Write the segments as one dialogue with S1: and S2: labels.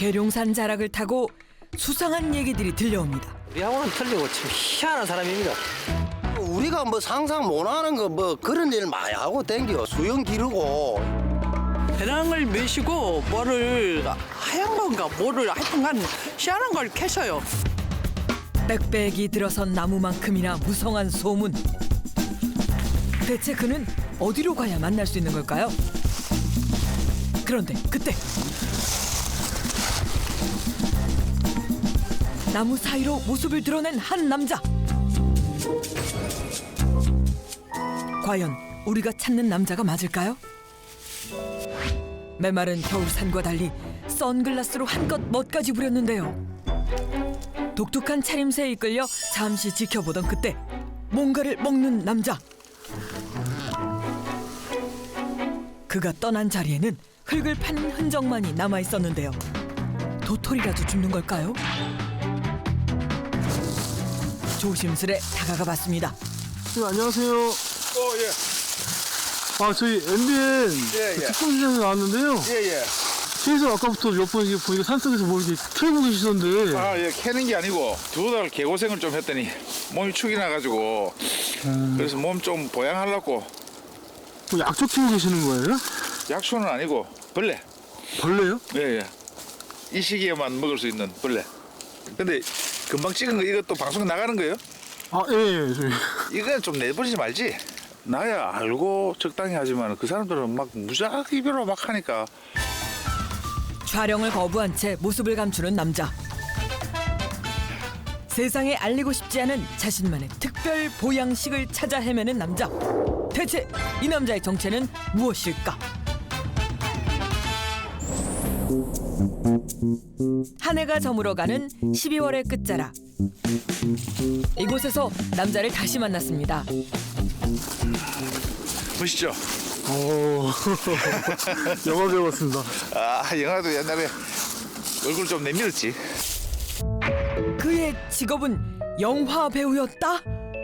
S1: 계룡산 자락을 타고 수상한 얘기들이 들려옵니다.
S2: 우리하고는 틀리고 참 희한한 사람입니다.
S3: 우리가 뭐 상상 못하는 거 뭐 그런 일 많이 하고 댕겨. 수영 기르고.
S4: 배낭을 메시고 뭐를 하얀 건가 뭐를 하여튼간 희한한 걸 캐셔요.
S1: 빽빽이 들어선 나무만큼이나 무성한 소문. 대체 그는 어디로 가야 만날 수 있는 걸까요? 그런데 그때 나무 사이로 모습을 드러낸 한 남자. 과연 우리가 찾는 남자가 맞을까요? 메마른 겨울산과 달리 선글라스로 한껏 멋까지 부렸는데요. 독특한 차림새에 이끌려 잠시 지켜보던 그때 뭔가를 먹는 남자. 그가 떠난 자리에는 흙을 파는 흔적만이 남아있었는데요. 도토리라도 줍는 걸까요? 조심스레 다가가 봤습니다.
S5: 네, 안녕하세요.
S6: 예.
S5: 아, 저희 MBN
S6: 예, 예.
S5: 특공시장에 나왔는데요.
S6: 예.
S5: 계속 아까부터 몇 번 보니까 산속에서 뭐 이렇게 캐고 계시던데.
S6: 아, 예. 캐는 게 아니고 2달 개고생을 좀 했더니 몸이 축이 나가지고 그래서 몸 좀 보양하려고.
S5: 뭐 약초 키우고 계시는 거예요?
S6: 약초는 아니고 벌레.
S5: 벌레요?
S6: 예. 이 시기에만 먹을 수 있는 벌레. 근데 금방 찍은 거 이것도 방송 나가는 거예요?
S5: 아, 예. 저희.
S6: 이건 좀 내버리지 말지. 나야 알고 적당히 하지만 그 사람들은 막 무작위로 막 하니까.
S1: 촬영을 거부한 채 모습을 감추는 남자. 세상에 알리고 싶지 않은 자신만의 특별 보양식을 찾아 헤매는 남자. 대체 이 남자의 정체는 무엇일까? 한 해가 저물어가는 12월의 끝자락. 이곳에서 남자를 다시 만났습니다.
S6: 보시죠.
S5: 오, 영화 배웠습니다.
S6: 아, 영화도 옛날에 얼굴 좀 내밀었지.
S1: 그의 직업은 영화 배우였다?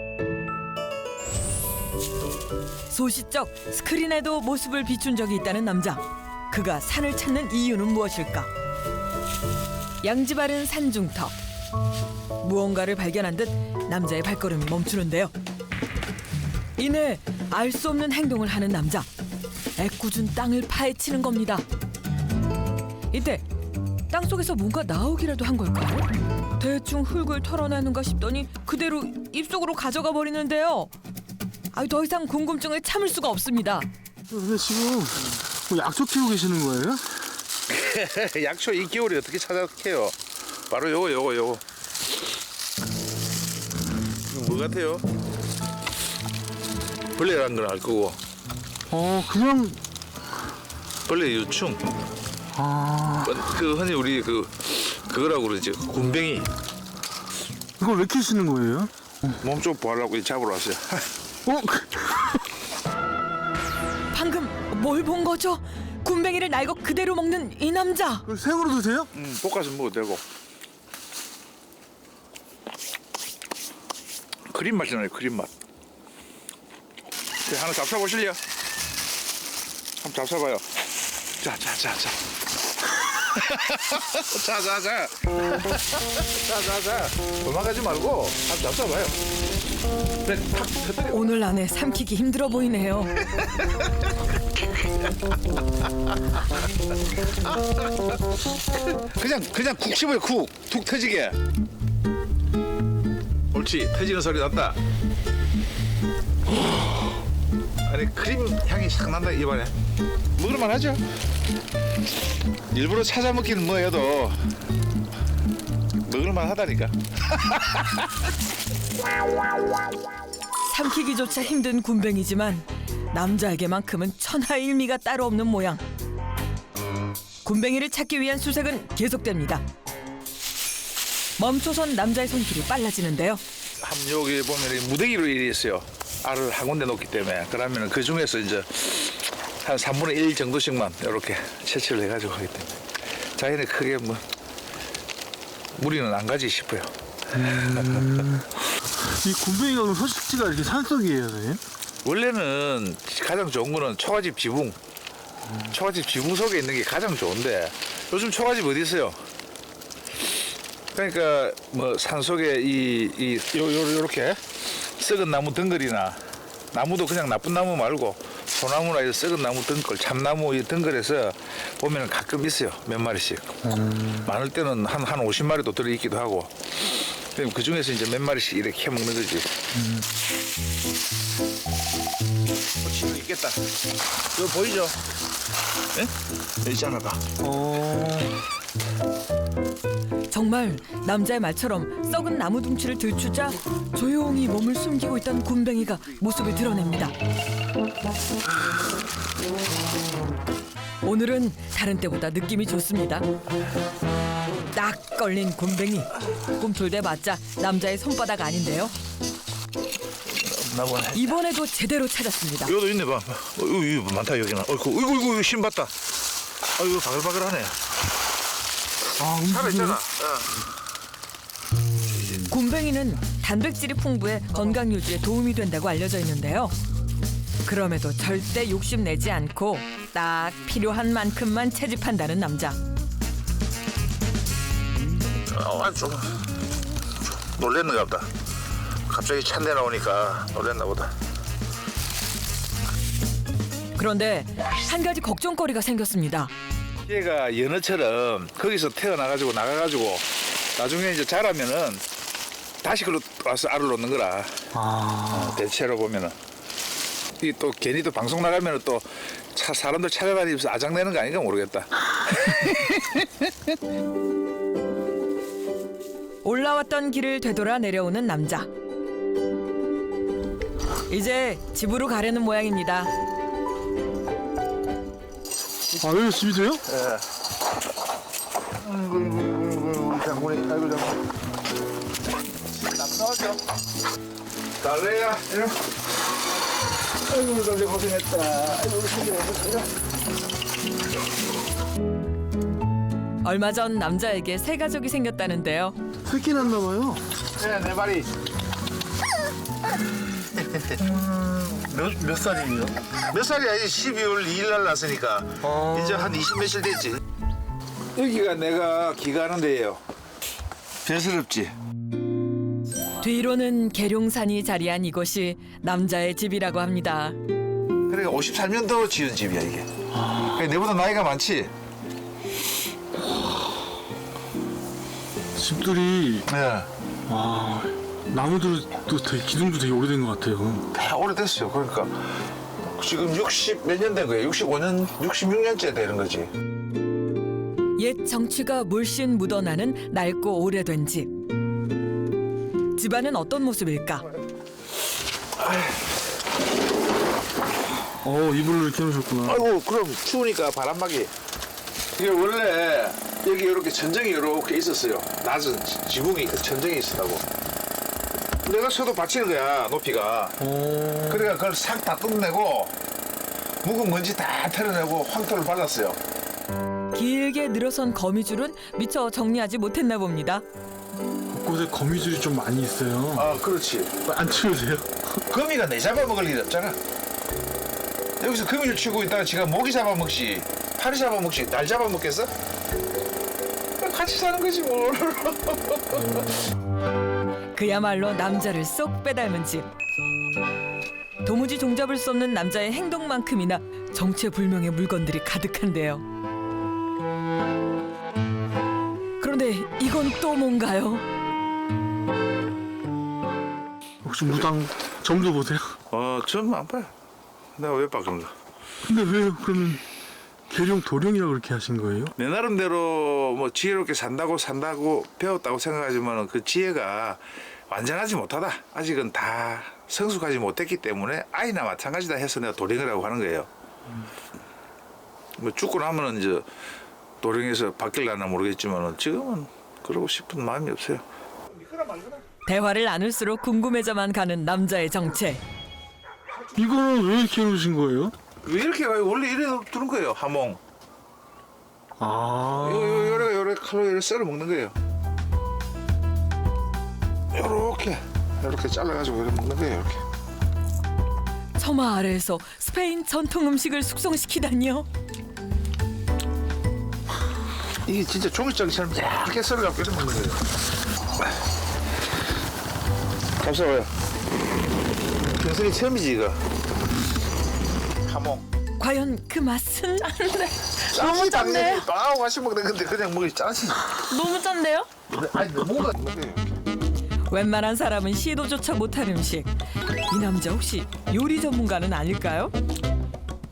S1: 소시적 스크린에도 모습을 비춘 적이 있다는 남자. 그가 산을 찾는 이유는 무엇일까? 양지 바른 산중턱. 무언가를 발견한 듯 남자의 발걸음이 멈추는데요. 이내 알 수 없는 행동을 하는 남자. 애꿎은 땅을 파헤치는 겁니다. 이때 땅속에서 뭔가 나오기라도 한 걸까요? 대충 흙을 털어내는가 싶더니 그대로 입속으로 가져가 버리는데요. 더 이상 궁금증을 참을 수가 없습니다.
S5: 근데 지금 뭐 약초 키우고 계시는 거예요?
S6: 약초 이 겨울에 어떻게 찾아해요? 바로 요거. 이거 뭐 같아요? 벌레라는 건 알 거고.
S5: 그냥.
S6: 벌레 유충.
S5: 아,
S6: 그 흔히 우리 그거라고 그러지. 군뱅이.
S5: 이걸 왜 키우시는 거예요?
S6: 몸 좀 보하려고 잡으러 왔어요.
S1: 방금 뭘 본 거죠? 군뱅이를 날고 그대로 먹는 이 남자.
S5: 그걸 생으로 드세요?
S6: 볶아서 먹어도 되고. 크림 맛이 나요. 크림 맛. 하나 잡숴보실래요? 한번 잡숴봐요. 자. 자. 도망가지 말고 한번 잡숴봐요. 그래, 탁 터뜨려.
S1: 오늘 안에 삼키기 힘들어 보이네요.
S6: 그냥 쿡 씹어요. 툭 터지게. 옳지. 터지는 소리 났다. 아니 크림 향이 싹 난다 입안에. 먹을만 하죠. 일부러 찾아 먹기는 뭐여도 먹을만 하다니까.
S1: 삼키기조차 힘든 군뱅이지만 남자에게만큼은 천하일미가 따로 없는 모양. 군뱅이를 찾기 위한 수색은 계속됩니다. 멈춰선 남자의 손길이 빨라지는데요.
S6: 여기 보면 무더기로 일이 있어요. 알을 한 군데 놓기 때문에. 그러면 그 중에서 이제 한 3분의 1 정도씩만 이렇게 채취를 해가지고 하기 때문에 자연에 크게 뭐 무리는 안 가지 싶어요.
S5: 이 군뱅이가 그럼 서식지가 이렇게 산속이에요, 선생님?
S6: 원래는 가장 좋은 거는 초가집 지붕. 초가집 지붕 속에 있는 게 가장 좋은데 요즘 초가집 어디 있어요? 그러니까 뭐 산속에 요렇게 썩은 나무 덩굴이나 나무도 그냥 나쁜 나무 말고 소나무나 이 썩은 나무 덩굴, 참나무 이 덩굴에서 보면 가끔 있어요. 몇 마리씩. 많을 때는 한 50마리도 들어있기도 하고. 그럼 그 중에서 이제 몇 마리씩 이렇게 해 먹는 거지. 지금 있겠다. 여기 보이죠? 예? 여기 있잖아, 봐.
S1: 정말 남자의 말처럼 썩은 나무 둥치를 들추자 조용히 몸을 숨기고 있던 굼벵이가 모습을 드러냅니다. 오늘은 다른 때보다 느낌이 좋습니다. 딱 걸린 굼벵이. 꿈틀대 맞자 남자의 손바닥 아닌데요.
S6: 나보네.
S1: 이번에도 제대로 찾았습니다.
S6: 이것도 있네, 봐. 이거 많다, 여기는. 어이구, 신 봤다. 이거 바글바글하네. 살아있잖아.
S1: 굼벵이는 단백질이 풍부해 건강 유지에 도움이 된다고 알려져 있는데요. 그럼에도 절대 욕심내지 않고 딱 필요한 만큼만 채집한다는 남자.
S6: 좀 놀랬는가 보다. 갑자기 찬내 나오니까 놀랬나 보다.
S1: 그런데 한 가지 걱정거리가 생겼습니다.
S6: 얘가 연어처럼 거기서 태어나가지고 나가가지고 나중에 이제 자라면은 다시 글로 와서 알을 놓는 거라. 대체로 보면은 이 또 괜히 또 방송 나가면은 또 사람들 찾아다니면서 아장내는 거 아닌가 모르겠다.
S1: 올라왔던 길을 되돌아 내려오는 남자. 이제 집으로 가려는 모양입니다.
S5: 여기 집이세요?
S6: 예. 아이고, 장군이, 아이고, 장군. 나오죠. 달래야, 이리. 아이고, 달래 고생했다. 아이고, 고생했다.
S1: 얼마 전 남자에게 새 가족이 생겼다는데요.
S5: 새끼 났나 봐요.
S6: 네, 네 마리.
S7: 몇 살이에요?
S6: 몇 살이야? 12월 2일 날 났으니까 이제 한 20몇일 됐지. 여기가 내가 기가하는 데예요. 배스럽지?
S1: 뒤로는 계룡산이 자리한 이곳이 남자의 집이라고 합니다.
S6: 그러니까 53년도 지은 집이야 이게. 그러니까 내보다 나이가 많지?
S5: 집들이
S6: 네.
S5: 나무들도 되게 기둥도 되게 오래된 것 같아요.
S6: 다 오래됐어요. 그러니까 지금 60 몇 년 된 거예요. 65년, 66년째 되는 거지.
S1: 옛 정취가 물씬 묻어나는 낡고 오래된 집. 집안은 어떤 모습일까?
S5: 이불로 이렇게 해놓으셨구나.
S6: 아이고 그럼 추우니까 바람막이. 이게 원래 여기 이렇게 천정이 이렇게 있었어요. 낮은 지붕이 천정이 있었다고. 내가 서도 받치는 거야 높이가. 그러니까 그걸 싹 다 뜯어내고 묵은 먼지 다 털어내고 황토를 발랐어요.
S1: 길게 늘어선 거미줄은 미처 정리하지 못했나 봅니다.
S5: 곳곳에 거미줄이 좀 많이 있어요.
S6: 아 그렇지.
S5: 안 치우세요?
S6: 거미가 내 잡아먹을 일 없잖아. 여기서 거미줄 치고 있다가 지가 모기 잡아먹지 파리 잡아먹지 날 잡아먹겠어? 같이 사는 거지 뭘.
S1: 그야말로 남자를 쏙 빼닮은 집. 도무지 종잡을 수 없는 남자의 행동만큼이나 정체불명의 물건들이 가득한데요. 그런데 이건 또 뭔가요?
S5: 혹시 무당 점도 보세요?
S6: 좀 안 봐요. 내가 왜 봐 그런 거.
S5: 근데 왜 그러면 계룡 도령이라고 그렇게 하신 거예요?
S6: 내 나름대로 뭐 지혜롭게 산다고 배웠다고 생각하지만 그 지혜가 완전하지 못하다. 아직은 다 성숙하지 못했기 때문에 아이나 마찬가지다 해서 내가 도령이라고 하는 거예요. 뭐 죽고 나면은 이제 도령에서 바뀔려나 모르겠지만 지금은 그러고 싶은 마음이 없어요.
S1: 대화를 나눌수록 궁금해져만 가는 남자의 정체.
S5: 이거는 왜 이렇게 해놓으신 거예요?
S6: 왜 이렇게 가요? 원래 이래 두는 거예요. 하몽. 요래 칼로 썰어 먹는 거예요. 요렇게 잘라가지고 이렇게 먹는 거예요. 이렇게.
S1: 처마 아래에서 스페인 전통 음식을 숙성시키다니요.
S6: 이게 진짜 종이장처럼 얇게 썰어갖고 이렇게 먹는 거예요. 감사해요. 평생에 처음이지 이거. 하몽.
S1: 과연 그 맛은?
S6: 너무 짠데. 빵하고 같이 먹는 건데 그냥 먹이 짜지.
S1: 너무 짠데요?
S6: 아니 너무가.
S1: 웬만한 사람은 시도조차 못할 음식. 이 남자 혹시 요리 전문가는 아닐까요?